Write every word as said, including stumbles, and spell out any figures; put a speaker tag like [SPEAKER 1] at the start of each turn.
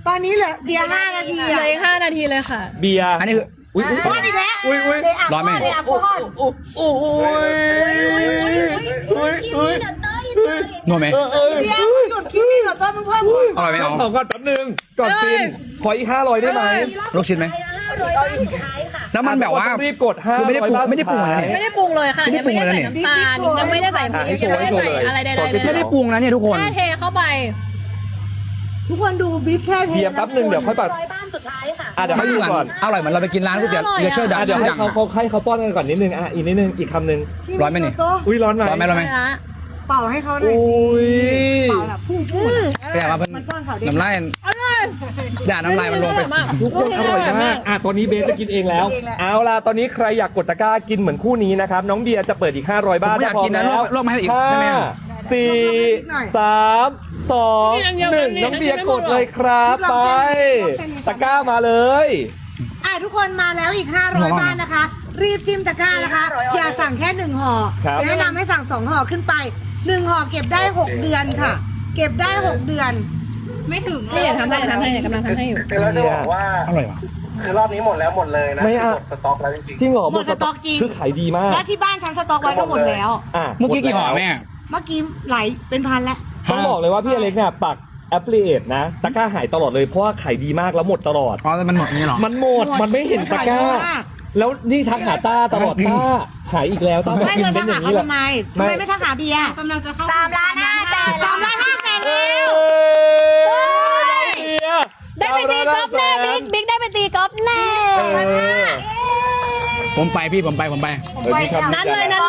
[SPEAKER 1] ตอนนี้เหลือเบียร์ห้านาที
[SPEAKER 2] เหลื
[SPEAKER 1] อะ
[SPEAKER 2] ออีกห้านาทีเลยค่ะ
[SPEAKER 3] เบียร์
[SPEAKER 4] อันนี้คืออุ้ยอุ้ย
[SPEAKER 1] พอดอีกแล้ว
[SPEAKER 3] อุ้ยอุ้ย
[SPEAKER 1] เดี๋ยวอ่ะ
[SPEAKER 4] ร้อนไหม
[SPEAKER 1] เดี๋ยวอ่ะพอด
[SPEAKER 3] อุ้ยอุ้ยอุ้ยอุ้ย
[SPEAKER 4] นัวไหม
[SPEAKER 3] เออเออ
[SPEAKER 1] เบียร์มึงหยุดคลิปนี้เดี๋ยวต้นมึงเพิ่ม
[SPEAKER 4] อร่อยไหมเอา
[SPEAKER 3] เอาก่อนแป๊บนึงก่อนฟินขออีกห้าร้อยได้ไหม
[SPEAKER 4] ลูกชิ้นไหมแล้วมันแบบว่า
[SPEAKER 3] ต้องรีบกดห้า
[SPEAKER 4] คือไม่ได้ปรุงไม่ได้ปรุงอะไรนะเนี่ย
[SPEAKER 2] ไม่ได้ปรุงเลยค่ะ
[SPEAKER 4] ไม่ได้
[SPEAKER 2] ยังไม่ได้
[SPEAKER 4] ปรุงเลย
[SPEAKER 2] ใส่
[SPEAKER 4] นะ
[SPEAKER 2] น้ำตาลยังไม่ได้ใส่พริกยังไม่ได้ใส่อะไรใดๆเลย
[SPEAKER 4] ไม่ได้ปรุงนะเนี่ยทุกคน
[SPEAKER 2] แค่เทเข้าไป
[SPEAKER 1] ทุกคนดูบิ๊กแค่เท
[SPEAKER 3] เบียร์แป๊บนึงเดี๋ยวค่อยปัด
[SPEAKER 5] ร้อยบ้านสุดท้ายค่ะ
[SPEAKER 3] อ่ะเดี๋ยว
[SPEAKER 4] ไม่
[SPEAKER 3] ให้
[SPEAKER 4] เหมื
[SPEAKER 3] ดู
[SPEAKER 4] อน
[SPEAKER 3] ก่อน
[SPEAKER 4] อร่อยเหมือนเราไปกินร้านก๋วยเตี๋ยว
[SPEAKER 2] อร่อยอะ
[SPEAKER 4] เรือเชื่อดัง
[SPEAKER 3] อ่ะเดี๋ยว
[SPEAKER 4] ชื่อ
[SPEAKER 3] ให้
[SPEAKER 4] ดัง
[SPEAKER 3] เขาเขาให้เขาป้อนกันก่อนนิดนึงอ่ะอีกนิดนึงอีกคำนึง
[SPEAKER 4] ร้อนไหมนี่
[SPEAKER 3] อุ้ยร้อนไหม
[SPEAKER 4] ร้อนไหมร้อนไหม
[SPEAKER 2] ไปละ
[SPEAKER 1] เป่าให้เขาหน่อย
[SPEAKER 3] อุ้ย
[SPEAKER 1] เป่าแบบพุ่งพุ่ง
[SPEAKER 4] แต่ว่าเพิ่น
[SPEAKER 1] มันก้อนเขาดิ
[SPEAKER 4] น้ำลาย
[SPEAKER 2] อร่อย
[SPEAKER 4] อย่าน้ำลายมันลงไป
[SPEAKER 3] ทุกคนอร่อยมากอ่ะตอนนี้เบสจะกินเองแล้ว เอาล่ะตอนนี้ใครอยากกดตะกร้ากินเหมือนคู่นี้นะครับน้องเบียร์จะเปิดอีกห้าร้อยบาท
[SPEAKER 4] ผมอยากกินนะ
[SPEAKER 3] แล้ว
[SPEAKER 4] ลวกมาให้อีก
[SPEAKER 3] ห้า
[SPEAKER 4] ได้ไหมอ่ะ
[SPEAKER 3] สี่สามสองหนึ่งน้องเบียร์กดเลยครับไปตะกร้ามาเลย
[SPEAKER 1] อ่ะทุกคนมาแล้วอีกห้าร้อยบ้านนะคะ รีบจิ้มตะกร้านะคะ อย่าสั่งแค่หนึ่งห่อ
[SPEAKER 3] ครับ
[SPEAKER 1] แนะนำให้สั่งสองห่อขึ้นไปหนึ่งห่อเก็บได้หกเดือนค่ะ เก็บได้หกเดือน
[SPEAKER 2] ไม่ถึงนี่เดี๋ยวทำให้เดี๋ยวทำให้เดี๋ยวกำลังทำให้อยู่
[SPEAKER 6] คือเราจะบอกว่า
[SPEAKER 4] อร่อยว่ะ
[SPEAKER 6] คือรอบนี้หมดแล้วหมดเลยนะ
[SPEAKER 3] ไม่เอา
[SPEAKER 6] หมดสต็อกแล้วจริง
[SPEAKER 3] จริงเหรอ
[SPEAKER 1] หมดสต็อกจริง
[SPEAKER 3] คือขายดีมาก
[SPEAKER 1] และที่บ้านฉันสต็อกไว้ก็หมดแล้ว
[SPEAKER 3] อ่ะ
[SPEAKER 4] เมื่อกี้กี่ห่อแม่
[SPEAKER 1] เมื่อกี้ไหลเป็นพันแล้ว
[SPEAKER 3] ต้องบอกเลยว่าพี่อเล็กเนี่ยปักแอปพลิเคชันนะตะกร้าหายตลอดเลยเพราะว่าขายดีมากแล้วหมดตลอด
[SPEAKER 4] อ๋อแต่มันหมดนี่หรอ
[SPEAKER 3] มันหมดมันไม่เห็นตะกร้า
[SPEAKER 1] มันขายเยอะมาก
[SPEAKER 3] แล้วนี่ทักหาต้าตลอดต้าหายอีกแล้วต้าบอก
[SPEAKER 1] ไม่
[SPEAKER 3] พิ
[SPEAKER 1] เล
[SPEAKER 3] ม
[SPEAKER 1] ย
[SPEAKER 3] พ์เป็น
[SPEAKER 1] ทัก
[SPEAKER 3] อ
[SPEAKER 1] หา
[SPEAKER 3] ย่าง
[SPEAKER 1] เขา
[SPEAKER 3] นี้แหละ
[SPEAKER 1] ทำไมทำไมไม่ทักหาเบียร์
[SPEAKER 5] กำลังจะเข้าสามล้านห้าแสน
[SPEAKER 1] สามล้านห้าแสน
[SPEAKER 3] เอ้
[SPEAKER 1] แล้ว
[SPEAKER 3] ย
[SPEAKER 2] ได้ไปตีกอล์ฟแน่บิ๊กบิ๊กได้ไปตีกอล์ฟแน่
[SPEAKER 3] เออ
[SPEAKER 4] ผมไปพี่ผมไปผมไป
[SPEAKER 1] ผมไปแล้ว
[SPEAKER 2] นั้นเลยนั้น